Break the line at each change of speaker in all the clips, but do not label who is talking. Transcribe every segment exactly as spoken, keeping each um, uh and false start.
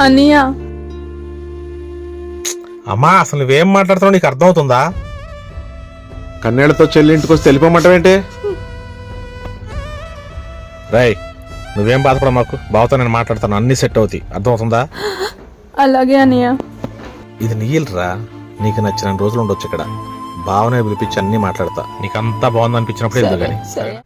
అన్నయ్య
అమ్మా అసలు నువ్వేం మాట్లాడుతున్నావు నీకు అర్థమవుతుందా?
కన్నేళ్లతో చెల్లి ఇంటికి వచ్చి తెలిపమంటావేంటి?
రాయ్ నువ్వేం బాధపడ మాకు, బావతో నేను మాట్లాడతాను, అన్ని సెట్ అవుతాయి, అర్థమవుతుందా?
అలాగే అన్నయ్య.
ఇది నీళ్ళరా, నీకు నచ్చిన రోజులు ఉండొచ్చు ఇక్కడ, బావనే పిలిపించి అన్ని మాట్లాడతా, నీకు అంతా బాగుంది అనిపించినప్పుడు ఎందుకు కానీ.
సరే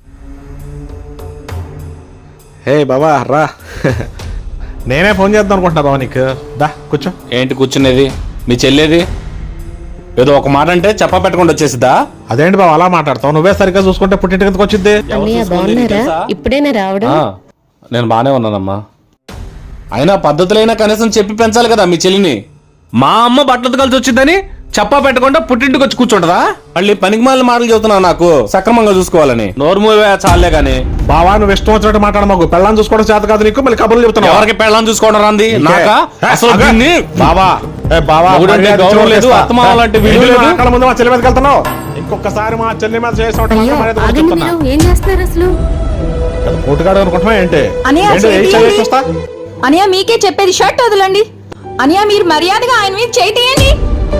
హే బాబా రా.
నేనే ఫోన్ చేద్దాం అనుకుంటున్నా బావ నీకు, దా కూర్చో.
ఏంటి కూర్చునేది? మీ చెల్లేది? ఏదో ఒక మాట అంటే చెప్పా పెట్టకుండా వచ్చేసిద్దా?
అదేంటి బావ అలా మాట్లాడతావు? నువ్వే సరిగ్గా చూసుకుంటే పుట్టింటి కిందకు వచ్చింది.
అన్నయ్య బాగున్నారా? ఇప్పుడేనా రావడం?
నేను బానే ఉన్నానమ్మా. అయినా పద్ధతులైనా కనీసం చెప్పి పెంచాలి కదా మీ చెల్లిని. మా అమ్మ బట్టలు కలిసి వచ్చిందని చెప్పా పెట్టకుండా పుట్టింటికి వచ్చి కూర్చుంటదా? మళ్ళీ పనికి మాలిన మాటలు చెబుతున్నావు నాకు సక్రమంగా చూసుకోవాలని. నోరు మూవే చాలే గాని.
బావా నువ్వు ఇష్టం వచ్చినట్టు మాట్లాడ మాకు, పెళ్ళాన్ని చూసుకోవడం చేత కాదు నీకు, మళ్ళీ కబుర్లు చెప్తున్నావు.
ఎవరికి పెళ్ళాన్ని చూసుకోవడం రాంది? నాకా? అసలు దీన్ని
బావా ఏ బావా
మొగుడంటే గౌరవం లేదు, అత్తమామ లాంటి విలువ లేదు.
అక్కడ ముందు మా చెల్లి మీదకి వెళ్తున్నావు, ఇంకొకసారి మా చెల్లి మీద చేసిన
ఏం చేస్తున్నారు అసలు?
పోటుగాడు అనుకుంటున్నా ఏంటి?
అన్నయ్య,
ఏంటి, ఏం చేయాలి చూస్తా?
అన్నయ్య మీకే చెప్పేది, షర్ట్ వదలండి. అన్నయ్య మీరు మర్యాదగా ఆయన మీద చేయి తీయండి.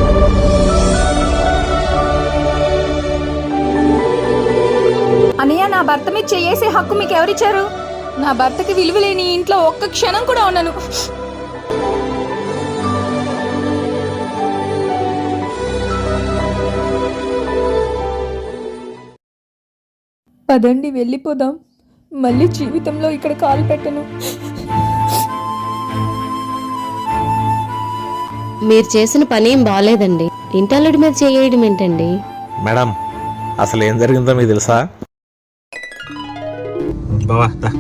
అన్నయ్య నా భర్త మీద చేసే హక్కు మీకు ఎవరిచ్చారు? నా భర్తకి విలువ లేని ఇంట్లో ఒక్క క్షణం కూడా ఉండను. పదండి వెళ్ళిపోదాం, మళ్ళీ జీవితంలో ఇక్కడ కాలు పెట్టను.
మీరు చేసిన పని ఏం బాగాలేదండి. ఇంటల్లుడి మీద చేయడం ఏంటండి?
మేడం అసలు ఏం జరిగిందో మీకు తెలుసా? బావా దా.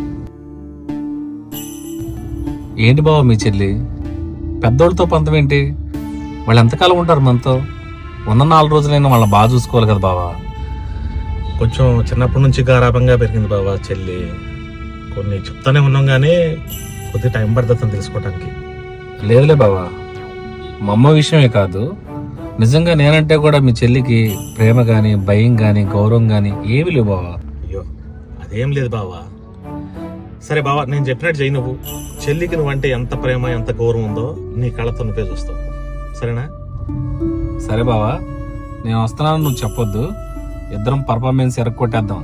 ఏంటి బావ మీ చెల్లి పెద్దోళ్ళతో పంతం ఏంటి? వాళ్ళు ఎంతకాలం ఉంటారు మనతో? ఉన్న నాలుగు రోజులైనా వాళ్ళని బాగా చూసుకోవాలి కదా బావా.
కొంచెం చిన్నప్పటి నుంచి గారాభంగా పెరిగింది బావా చెల్లి, కొన్ని చెప్తానే ఉన్నాం కానీ కొద్ది టైం పడుతుంది తెలుసుకోవడానికి.
లేదులే బావా, మా అమ్మ విషయమే కాదు, నిజంగా నేనంటే కూడా మీ చెల్లికి ప్రేమ గాని భయం గాని గౌరవం గాని ఏమి లేవు బావా.
అయ్యో అదేం లేదు బావా. సరే బావా నేను చెప్పినట్టు చెయ్యి, నువ్వు చెల్లికి నువ్వంటే ఎంత ప్రేమ ఎంత గౌరవం ఉందో నీ కళ్ళతో నువ్వే చూస్తావు, సరేనా?
సరే బావా, నేను వస్తున్నాను నువ్వు చెప్పొద్దు, ఇద్దరం పర్ఫార్మెన్స్ ఎరగొట్టేద్దాం.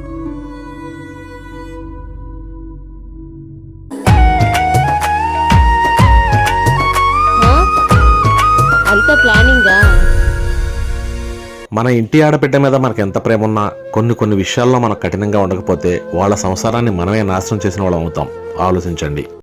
అంత ప్లానింగా?
మన ఇంటి ఆడబిడ్డ మీద మనకు ఎంత ప్రేమ ఉన్నా కొన్ని కొన్ని విషయాల్లో మనం కఠినంగా ఉండకపోతే వాళ్ళ సంసారాన్ని మనమే నాశనం చేసిన వాళ్ళం అవుతాం. ఆలోచించండి.